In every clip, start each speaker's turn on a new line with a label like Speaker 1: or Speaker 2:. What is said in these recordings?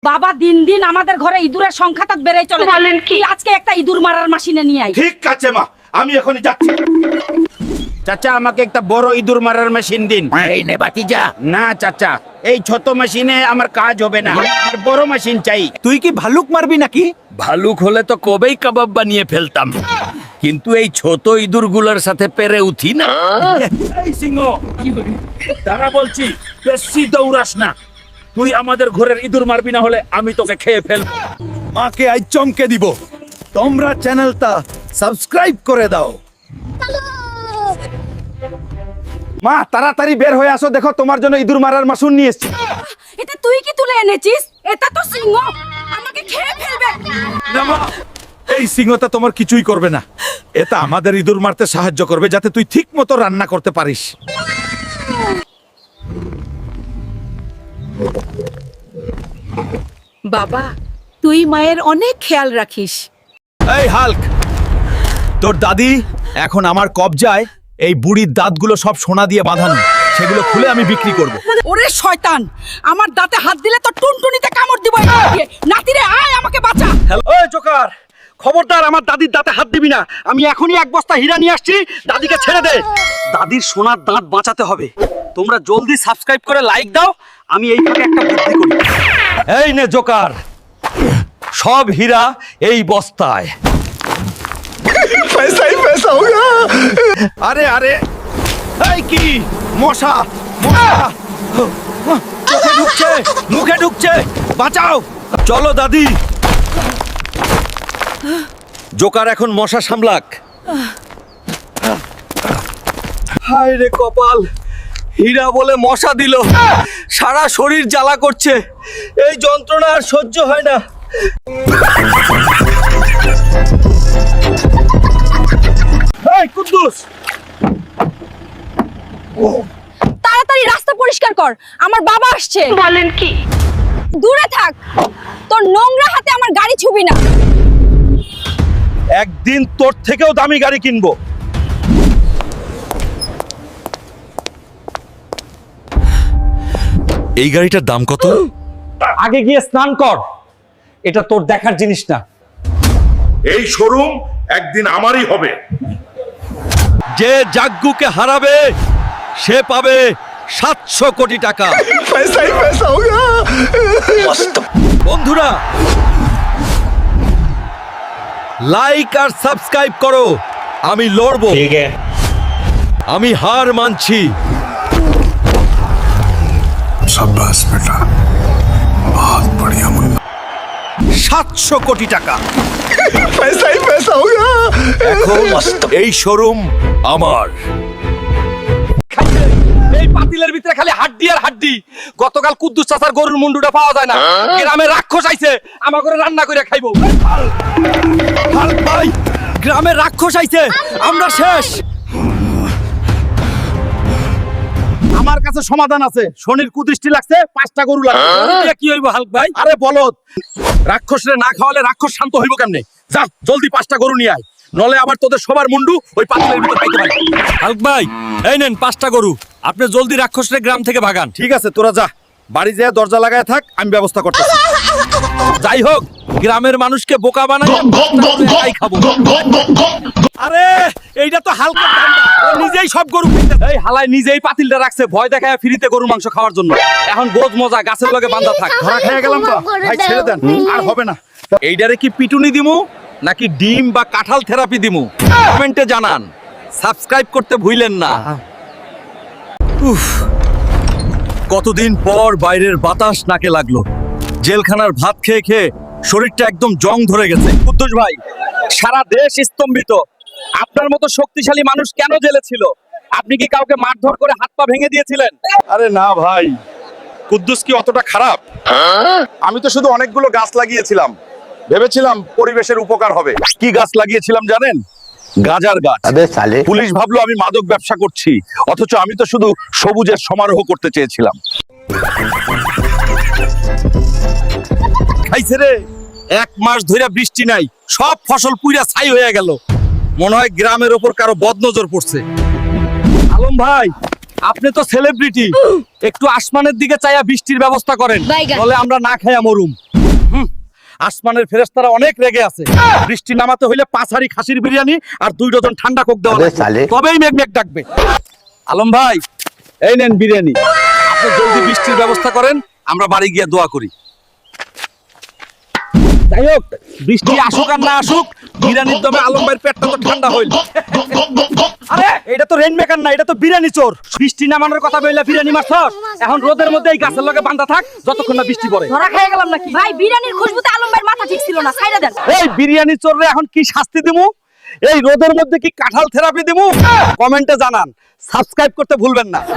Speaker 1: বাবা দিন দিন আমাদের ঘরে ইঁদুরের সংখ্যা তো বেড়েই চলে। বলেন কি? আজকে একটা ইঁদুর মারার মেশিনে নিয়ে আই।
Speaker 2: ঠিক আছে মা, আমি এখনই যাচ্ছি।
Speaker 3: চাচা আমাকে একটা বড় ইঁদুর মারার মেশিন দিন।
Speaker 4: এই নে বাতিজা।
Speaker 3: না চাচা, এই ছোট মেশিনে আমার কাজ হবে না, আমার বড় মেশিন চাই।
Speaker 4: তুই কি ভালুক মারবি নাকি?
Speaker 5: ভালুক হলে তো কবেই কাবাব বানিয়ে ফেলতাম, কিন্তু এই ছোট ইঁদুরগুলোর সাথে পেরে উঠি না।
Speaker 2: এই সিংহ, তারা বলছি বেশি দৌড়াস না। তুই আমাদের ঘরের ইঁদুর মারবি, না হলে আমি তোকে খেয়ে ফেলবো।
Speaker 4: মাকে আজ চমকে দিব। তোমরা চ্যানেলটা সাবস্ক্রাইব করে দাও।
Speaker 2: মা তাড়াতাড়ি বের হয়ে আসো, দেখো তোমার জন্য ইঁদুর মারার মাসুন নিয়ে এসেছি।
Speaker 1: এটা তুই কি তুলে এনেছিস? এটা তো সিংহ, আমাকে খেয়ে ফেলবে।
Speaker 4: না মা, এই সিংহটা তোমার কিছুই করবে না। এটা আমাদের ইঁদুর মারতে সাহায্য করবে, যাতে তুই ঠিক মতো রান্না করতে পারিস।
Speaker 6: বাবা, তুই মায়ের অনেক খেয়াল রাখিস।
Speaker 4: এই হাল্ক, তোর দাদি এখন আমার কবজায়। এই বুড়ির দাঁতগুলো সব সোনা দিয়ে বাঁধানো, সেগুলো খুলে আমি বিক্রি করব।
Speaker 1: ওরে শয়তান, আমার দাঁতে হাত দিলে তো টুনটুনিতে কামড় দিব। নাতিরে আয়, আমাকে বাঁচা।
Speaker 2: ওই জোকার, খবরদার আমার দাদির দাঁতে হাত দিবি না। আমি এখনই এক বস্তা হীরা নিয়ে আসছি, দাদিকে ছেড়ে দে। দাদির সোনার দাঁত বাঁচাতে হবে। তোমরা জলদি সাবস্ক্রাইব করে লাইক দাও। আমি এই ফাঁকে একটা বুদ্ধি করি। এই নে জোকার, সব হীরা এই বস্তায়।
Speaker 4: আরে আরে, এই কি মশা, মশা চোখে ঢুকছে, মুখে ঢুকছে, বাঁচাও।
Speaker 2: চলো দাদি। জোকার এখন মশা সামলাক। হায় রে কপাল, হীরা বলে মশা দিল। সারা শরীর জ্বালা করছে, এই যন্ত্রণা আর সহ্য হয় না। এই কুদ্দুস,
Speaker 1: তাড়াতাড়ি রাস্তা পরিষ্কার কর, আমার বাবা আসছে। বলেন কি? দূরে থাক, তোর নোংরা হাতে আমার গাড়ি ছুবি না।
Speaker 2: একদিন তোর থেকেও দামি গাড়ি কিনবো।
Speaker 7: এই গাড়িটার দাম কত?
Speaker 2: আগে গিয়ে স্নান কর, এটা তোর দেখার জিনিস না।
Speaker 8: এই শোরুম একদিন আমারই হবে।
Speaker 2: যে জাগ্গুকে হারাবে সে পাবে 700 কোটি টাকা। বন্ধুরা, লাইক আর সাবস্ক্রাইব করো। আমি লড়বো, আমি হার মানছি। 700 কোটি টাকা এখন এই শোরুম আমার। এই পাতিলের ভিতরে খালি হাড্ডি আর হাড্ডি। গতকাল কুদ্দুস চাচার গরুর মুন্ডুটা পাওয়া যায় না, গ্রামে রাক্ষস আইছে, আমার করে রান্না করে খাইবো। হাল্ক ভাই, গ্রামে রাক্ষস আইছে, আমরা শেষ। আমার কাছে সমাধান আছে। শনির কুদৃষ্টি লাগছে, 5টা গরু লাগবে। কি হইব হাল্ক ভাই? আরে বলদ, রাক্ষসরে না খাওয়ালে রাক্ষস শান্ত হইব কেমনে? যা জলদি 5টা গরু নিয়ে আয়, নলে আবার তোদের সবার মুন্ডু ওই পাতিলের ভিতর পাইতে পারে। হাল্ক ভাই, এই নেন 5টা গরু, আপনি জলদি রাক্ষসরে গ্রাম থেকে ভাগান। ঠিক আছে, তোরা যা, বাড়ি যেয়ে দরজা লাগায় থাক, আমি ব্যবস্থা করতেছি। যাই হোক, গ্রামের মানুষকে বোকা বানাই খাবো। আরে এইটা তো হালকা ঠান্ডা, ও নিজেই সব গরু খাইতে। এই হালায় নিজেই পাতিলটা রাখছে, ভয় দেখায় ফ্রিতে গরুর মাংস খাওয়ার জন্য। এখন বোঝ মজা, গাছের লগে বাঁধা থাক। ধরা খেয়ে গেলাম তো ভাই, ছেড়ে দেন, আর হবে না। এইটারে কি পিটুনি দিমু নাকি ডিম বা কাঁঠাল থেরাপি দিমু? কমেন্টে জানান। সাবস্ক্রাইব করতে ভুলেন না। উফ, কতদিন পর বাইরের বাতাস নাকে লাগলো। জেলখানার ভাত খেয়ে খেয়ে শরীরটা একদম জং ধরে গেছে। কুদ্দুস ভাই, সারা দেশ স্তম্ভিত। আপনার মতো শক্তিশালী মানুষ কেন জেলে ছিল? আপনি কি কাউকে মারধর করে হাত পা ভেঙে দিয়েছিলেন?
Speaker 8: আরে না ভাই, কুদ্দুস কি অতটা খারাপ? আমি তো শুধু অনেকগুলো গাছ লাগিয়েছিলাম, ভেবেছিলাম পরিবেশের উপকার হবে।
Speaker 2: কি গাছ লাগিয়েছিলাম জানেন? গাজার গাছ। পুলিশ ভাবলো আমি মাদক ব্যবসা করছি, অথচ আমি তো শুধু সবুজের সমারোহ করতে চেয়েছিলাম। খাইছে রে, 1 মাস ধরে বৃষ্টি নাই, সব ফসল পুইরা ছাই হয়ে গেল। মনে হয় গ্রামের ওপর কারো বদনজর পড়ছে। আলম ভাই, আপনি তো সেলিব্রিটি, একটু আসমানের দিকে চাইয়া বৃষ্টির ব্যবস্থা করেন,
Speaker 1: বাইগান।
Speaker 2: বলে আমরা না খাইয়া মরুম। আসমানের ফেরেশতারা অনেক রেগে আছে, বৃষ্টি নামাতে হইলে 5 হাঁড়ি খাসির বিরিয়ানি আর 2 ডজন ঠান্ডা কোক দেওয়া লাগবে, তবেই মেঘ মেঘ ডাকবে। আলম ভাই, এই নেন বিরিয়ানি, আপনি জলদি বৃষ্টির ব্যবস্থা করেন, আমরা বাড়ি গিয়ে দোয়া করি। যাই হোক, বৃষ্টি আসুক আর না আসুক, বিরিয়ানির দমে আলম ভাইয়ের পেটটা তো ঠান্ডা হইল। আরে এটা তো রেইন মেকার না, এটা তো বিরিয়ানি চোর। বৃষ্টি নামানোর কথা বইলা বিরিয়ানি মারছস, এখন রোদের মধ্যে এই গাছের লগে বাঁধা থাক যতক্ষণ না বৃষ্টি পড়ে।
Speaker 1: ধরা খেয়ে গেলাম নাকি? ভাই বিরিয়ানির খুশবুতে আলম ভাইয়ের মাথা ঠিক ছিল না, ছাইড়া দেন।
Speaker 2: এই বিরিয়ানি চোররে এখন কি শাস্তি দিমু? এই রোদের মধ্যে কি কাঁঠাল থেরাপি দিমু? কমেন্টে জানান, সাবস্ক্রাইব করতে ভুলবেন না।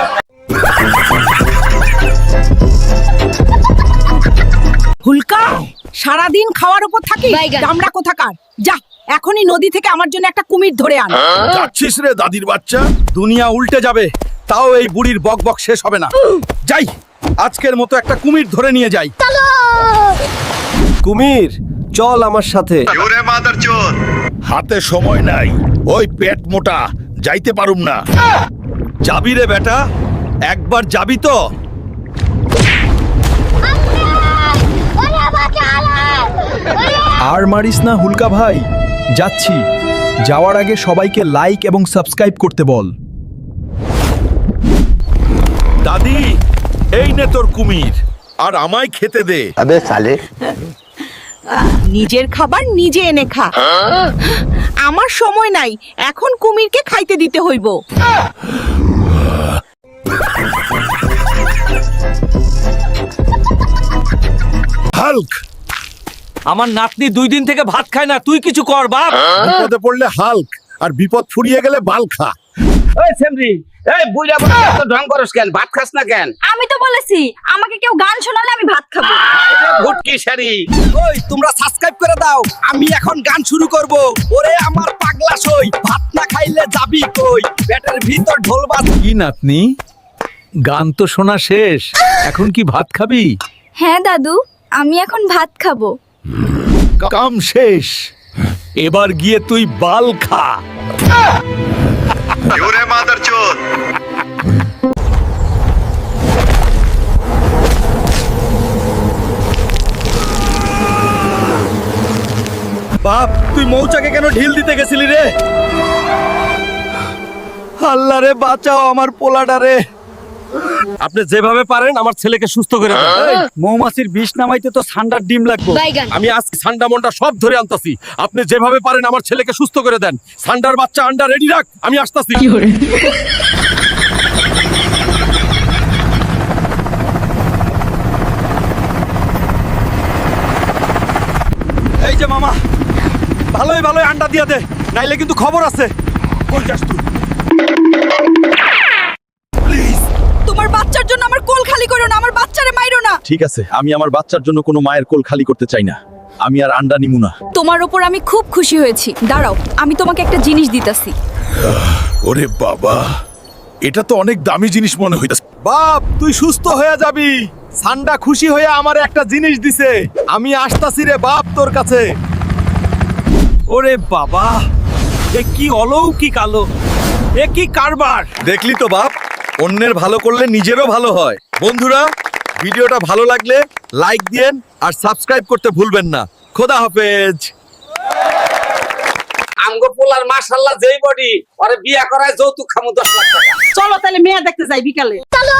Speaker 6: হুলকা সারাদিন খাওয়ার উপর থাকি,
Speaker 1: বাইগান।
Speaker 6: দামড়া কোথাকার। যা এখনই নদী থেকে আমার জন্য একটা কুমির ধরে আন।
Speaker 4: যাচ্ছিস রে দাদির বাচ্চা?
Speaker 2: দুনিয়া উল্টে যাবে, তাও এই বুড়ির বক বক শেষ হবে না। যাই, আজকের মতো একটা কুমির ধরে নিয়ে যাই।
Speaker 7: কুমির চল আমার সাথে।
Speaker 4: হাতে সময় নাই, ওই পেট মোটা, যাইতে পারুম না। যাবি রে বেটা, একবার যাবি তো?
Speaker 9: আর মারিস না হুলকা ভাই, যাচ্ছি। যাওয়ার আগে সবাইকে লাইক এবং সাবস্ক্রাইব করতে বল।
Speaker 4: দাদি, এই নে তোর কুমির, আর আমায় খেতে দে।
Speaker 6: নিজের খাবার নিজে এনে খা। আমার সময় নাই, এখন কুমিরকে খাইতে দিতে হইব।
Speaker 4: হাল্ক,
Speaker 2: আমার নাতনি 2 দিন থেকে ভাত খায় না, তুই কিছু কর বাপ।
Speaker 4: বিপদে পড়লে হাল্ক, আর বিপদ ফুরিয়ে গেলে বাল খা।
Speaker 3: ওই সেমরি, এই বুইড়া বুড়া এত ঢং করস কেন? ভাত খাস না কেন?
Speaker 1: আমি তো বলেছি আমাকে কেউ গান শোনালে আমি ভাত খাবো।
Speaker 3: ভুটকি শাড়ি।
Speaker 2: ওই তোমরা সাবস্ক্রাইব করে দাও, আমি এখন গান শুরু করব। ওরে আমার পাগলা সই, ভাত না খাইলে যাবি কই? পেটের ভিতর ঢোল বাজ।
Speaker 4: কি নাতনি, গান তো শোনা শেষ, এখন কি ভাত খাবি?
Speaker 1: হ্যাঁ দাদু, আমি এখন ভাত খাবো।
Speaker 4: কাম শেষ, এবার গিয়ে তুই বাল খা।
Speaker 2: বাপ, তুই মৌচাকে কেন ঢিল দিতে গেছিলি রে? আল্লাহ রে বাঁচাও আমার পোলাটা রে। আপনি যেভাবে পারেন আমার ছেলেকে সুস্থ করে দেন। এই, মৌমাছির বিষ নামাইতে তো ঠান্ডার ডিম লাগবে।
Speaker 1: বাইগান।
Speaker 2: আমি আজকে ঠান্ডা মন্ডা সব ধরে আনতাছি, আপনি যেভাবে পারেন আমার ছেলেকে সুস্থ করে দেন। ঠান্ডার বাচ্চা আন্ডা রেডি রাখ, আমি আসতাছি। এই যে মামা, ভালোই ভালোই আন্ডা দিয়া দে, নাইলে কিন্তু খবর আছে। কই যাস তুই?
Speaker 1: তোমার বাচ্চার জন্য আমার কোল খালি করো না, আমার বাচ্চারে মাইরো না।
Speaker 4: ঠিক আছে, আমি আমার বাচ্চার জন্য কোনো মায়ের কোল খালি করতে চাই না, আমি আর আন্ডা নিমু না।
Speaker 1: তোমার উপর আমি খুব খুশি হয়েছি, দাঁড়াও আমি তোমাকে একটা জিনিস দিতাছি।
Speaker 4: ওরে বাবা, এটা তো অনেক দামি জিনিস মনে হইতাছে।
Speaker 2: বাপ, তুই সুস্থ হয়ে যাবি। সান্ডা খুশি হয়ে আমার একটা জিনিস দিছে, আমি আসতাছি রে বাপ তোর কাছে। ওরে বাবা, এ কি অলৌকিক আলো, এ কি কারবার।
Speaker 4: দেখলি তো বাপ, অন্যের ভালো করলে নিজেরও ভালো হয়। বন্ধুরা, ভিডিওটা ভালো লাগলে লাইক দিয়েন আর সাবস্ক্রাইব করতে ভুলবেন না। খোদা হাফেজ।
Speaker 3: আমগো পোলার মাশাআল্লাহ যেই বডি, আরে বিয়া করায় যৌতুক খামু 10 লাখ টাকা।
Speaker 6: চলো তাহলে মেয়ে দেখতে যাই বিকালে।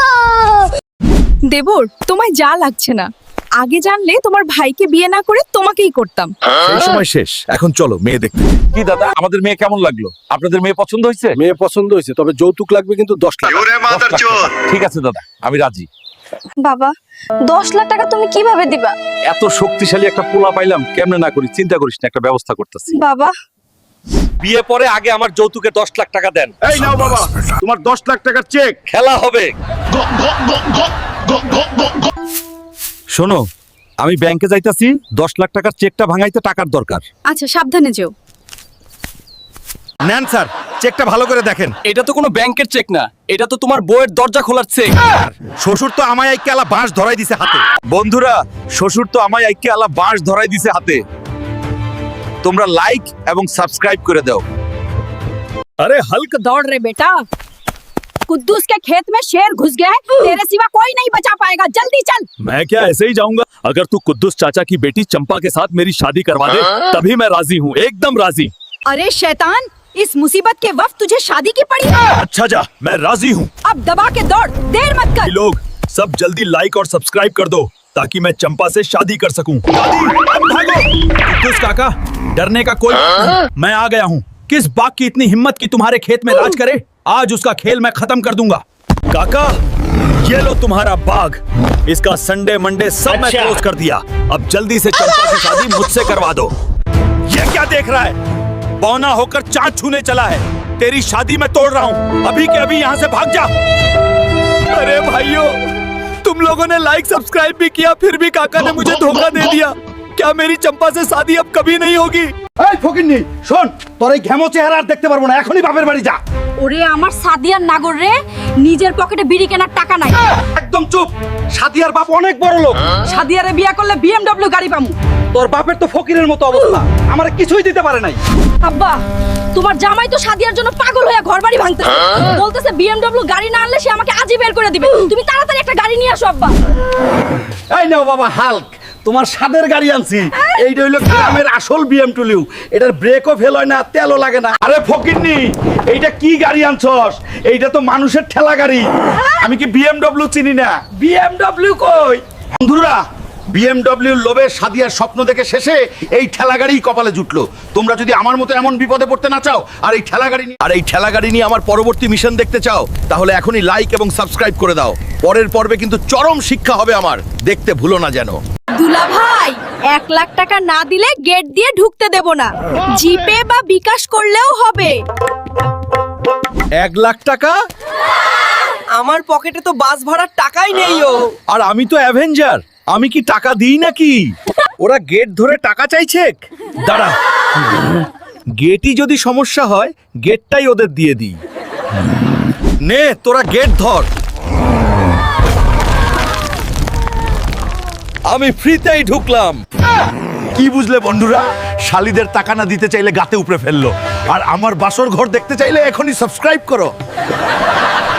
Speaker 1: দেবর, তোমায় যা লাগছে না, আগে জানলে তোমার ভাইকে বিয়ে না করে তোমাকেই করতাম।
Speaker 4: সেই সময় শেষ, এখন চলো মেয়ে দেখতে।
Speaker 2: কি দাদা, আমাদের মেয়ে কেমন লাগলো? আপনাদের মেয়ে পছন্দ হয়েছে?
Speaker 8: মেয়ে পছন্দ হয়েছে, তবে যৌতুক লাগবে কিন্তু 10 লাখ।
Speaker 2: 10 লাখ টাকা। ঠিক আছে দাদা, আমি রাজি।
Speaker 1: বাবা, 10 লাখ টাকা তুমি কিভাবে দিবা?
Speaker 2: এত শক্তিশালী একটা পোলা পাইলাম, কেমনে না করি? চিন্তা করিস না, একটা ব্যবস্থা করতেছি।
Speaker 1: বাবা,
Speaker 2: বিয়ে পরে আগে আমার যৌতুকে 10 লাখ টাকা দেন।
Speaker 8: এই নাও বাবা, তোমার 10 লাখ টাকার চেক।
Speaker 2: খেলা হবে। শোনো, আমি ব্যাংকে যাইতাছি, 10 লাখ টাকার চেকটা ভাঙাইতে টাকার দরকার।
Speaker 1: আচ্ছা সাবধানে যেও।
Speaker 2: নেন স্যার, চেকটা ভালো করে দেখেন।
Speaker 7: এটা তো কোনো ব্যাংকের চেক না, এটা তো তোমার বউয়ের দরজা খোলার চেক।
Speaker 2: শ্বশুর তো আমায় আইকে আলা বাঁশ ধরাই দিছে হাতে। বন্ধুরা, শ্বশুর তো আমায় আইকে আলা বাঁশ ধরাই দিছে হাতে। তোমরা লাইক এবং সাবস্ক্রাইব করে দাও।
Speaker 4: আরে হাল্ক,
Speaker 6: দৌড় রে বেটা।
Speaker 1: कुद्दूस के खेत में शेर घुस गया है, तेरे सिवा कोई नहीं बचा पाएगा, जल्दी चल।
Speaker 9: मैं क्या ऐसे ही जाऊंगा? अगर तू कुद्दूस चाचा की बेटी चंपा के साथ मेरी शादी करवा दे तभी मैं राजी हूँ, एकदम राजी।
Speaker 1: अरे शैतान, इस मुसीबत के वक्त तुझे शादी की पड़ी है।
Speaker 9: अच्छा जा, मैं राजी हूँ।
Speaker 1: अब दबा के दौड़, देर मत कर।
Speaker 9: लोग सब जल्दी लाइक और सब्सक्राइब कर दो ताकि मैं चंपा से शादी कर सकूं। दादी, अब भागो। कुद्दूस काका, डरने का कोई मैं आ गया हूँ। किस बाग की इतनी हिम्मत कि तुम्हारे खेत में राज करे? आज उसका खेल मैं खत्म कर दूंगा। काका, ये लो तुम्हारा बाग। इसका संडे मंडे सब मैं क्लोज कर दिया। अब जल्दी से चंपा की शादी मुझसे करवा दो। ये क्या देख रहा है? बौना होकर चांद छूने चला है। तेरी शादी मैं तोड़ रहा हूँ, अभी के अभी यहाँ से भाग जा। अरे भाइयों, तुम लोगों ने लाइक सब्सक्राइब भी किया, फिर भी काका ने मुझे धोखा दे दिया। क्या मेरी चंपा से शादी अब कभी नहीं होगी?
Speaker 2: এই ফকিন্নি, শোন, তোর এই ঘেমো চেহারা আর দেখতে পারবো না, এখনই বাপের বাড়ি যা।
Speaker 1: ওরে আমার সাদিয়ার নাগর রে, নিজের পকেটে বিড়ি কেনার টাকা নাই।
Speaker 2: একদম চুপ। সাদিয়ার বাপ অনেক বড় লোক।
Speaker 1: সাদিয়ারে বিয়া করলে BMW গাড়ি পামু।
Speaker 2: তোর বাপের তো ফকিরের মতো অবস্থা, আমারে কিছুই দিতে পারে নাই।
Speaker 1: আব্বা, তোমার জামাই তো সাদিয়ার জন্য পাগল হয়ে ঘরবাড়ি ভাঙতেছে, বলতেছে BMW গাড়ি না আনলে সে আমাকে আজই বের করে দিবে। তুমি তাড়াতাড়ি একটা গাড়ি নিয়ে আসো আব্বা।
Speaker 2: এই নাও বাবা হাল্ক, তোমার স্বাদের গাড়ি আনছি। এইটা হইলো গ্রামের আসল BMW। এটার ব্রেকও ফেল হয় না, তেলও লাগে না। আরে ফকিন্নি, এইটা কি গাড়ি আনছস? এইটা তো মানুষের ঠেলা গাড়ি। আমি কি BMW চিনি না? BMW কই? বন্ধুরা, BMW লোভে সাদিয়ার স্বপ্ন দেখে শেষে এই ঠেলা গাড়ি কপালে জুটলো। তোমরা যদি আমার মতো এমন বিপদে পড়তে না চাও আর এই ঠেলা গাড়ি নিয়ে আমার পরবর্তী মিশন দেখতে চাও, তাহলে এখনই লাইক এবং সাবস্ক্রাইব করে দাও। পরের পর্বে কিন্তু চরম শিক্ষা হবে আমার, দেখতে ভুলো না যেন।
Speaker 1: দুলা ভাই, 1 লাখ টাকা না দিলে গেট দিয়ে ঢুকতে দেব না। জিপে বা বিকাশ করলেও হবে।
Speaker 9: 1 লাখ টাকা?
Speaker 6: আমার পকেটে তো বাস ভাড়ার টাকাই নেই।
Speaker 9: আর আমি তো অ্যাভেঞ্জার, আমি কি টাকা দিই নাকি? ওরা গেট ধরে টাকা চাইছে। দাঁড়া, গেটই যদি সমস্যা হয়, গেটটাই ওদের দিয়ে দিই।
Speaker 4: নে তোরা গেট ধর। আমি ফ্রিতেই ঢুকলাম।
Speaker 2: কি বুঝলে বন্ধুরা? শালিদের টাকা না দিতে চাইলে গাতে উপরে ফেললো, আর আমার বাসর ঘর দেখতে চাইলে এখনই সাবস্ক্রাইব করো।